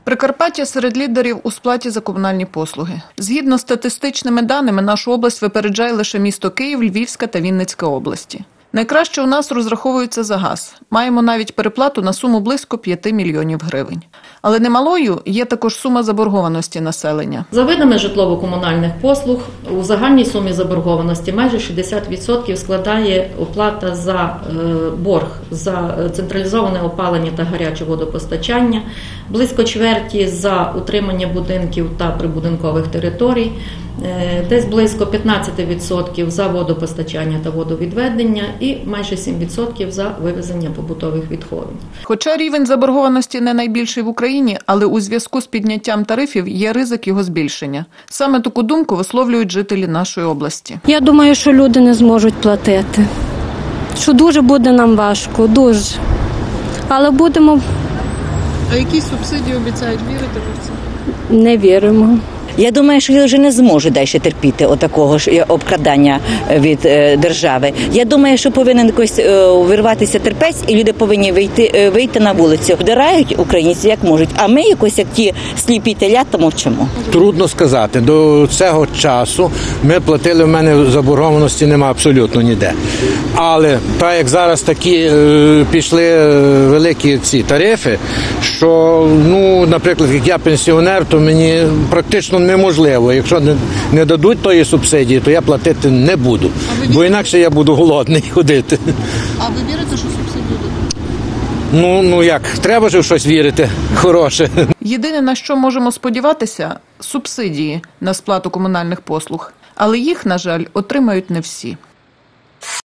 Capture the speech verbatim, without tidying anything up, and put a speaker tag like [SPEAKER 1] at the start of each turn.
[SPEAKER 1] Прикарпаття серед лідерів у сплаті за комунальні послуги. Згідно з статистичними даними, нашу область випереджає лише місто Київ, Львівська та Вінницька області. Найкраще у нас розраховується за газ. Маємо навіть переплату на суму близько п'яти мільйонів гривень. Але немалою є також сума заборгованості населення.
[SPEAKER 2] За видами житлово-комунальних послуг у загальній сумі заборгованості майже шістдесят відсотків складає оплата за борг за централізоване опалення та гаряче водопостачання, близько чверті за утримання будинків та прибудинкових територій, десь близько п'ятнадцять відсотків за водопостачання та водовідведення і майже сім відсотків за вивезення побутових відходів.
[SPEAKER 1] Хоча рівень заборгованості не найбільший в Україні, але у зв'язку з підняттям тарифів є ризик його збільшення. Саме таку думку висловлюють жителі нашої області.
[SPEAKER 3] Я думаю, що люди не зможуть платити. Що дуже буде нам важко, дуже. Але будемо...
[SPEAKER 1] А які субсидії обіцяють? Вірите ви в це?
[SPEAKER 3] Не віримо.
[SPEAKER 4] Я думаю, що я вже не зможу далі терпіти отакого ж обкрадання від держави. Я думаю, що повинен якось вирватися терпець, і люди повинні вийти, вийти на вулицю. Вдирають українці як можуть, а ми якось, як ті сліпі телята, мовчимо.
[SPEAKER 5] Трудно сказати. До цього часу ми платили, в мене заборгованості немає абсолютно ніде. Але так як зараз такі пішли великі ці тарифи, що, ну, наприклад, як я пенсіонер, то мені практично неможливо. Якщо не, не дадуть тої субсидії, то я платити не буду. Бо інакше я буду голодний ходити.
[SPEAKER 1] А ви вірите, що субсидії дадуть?
[SPEAKER 5] Ну, ну як, треба ж в щось вірити хороше.
[SPEAKER 1] Єдине, на що можемо сподіватися – субсидії на сплату комунальних послуг. Але їх, на жаль, отримають не всі.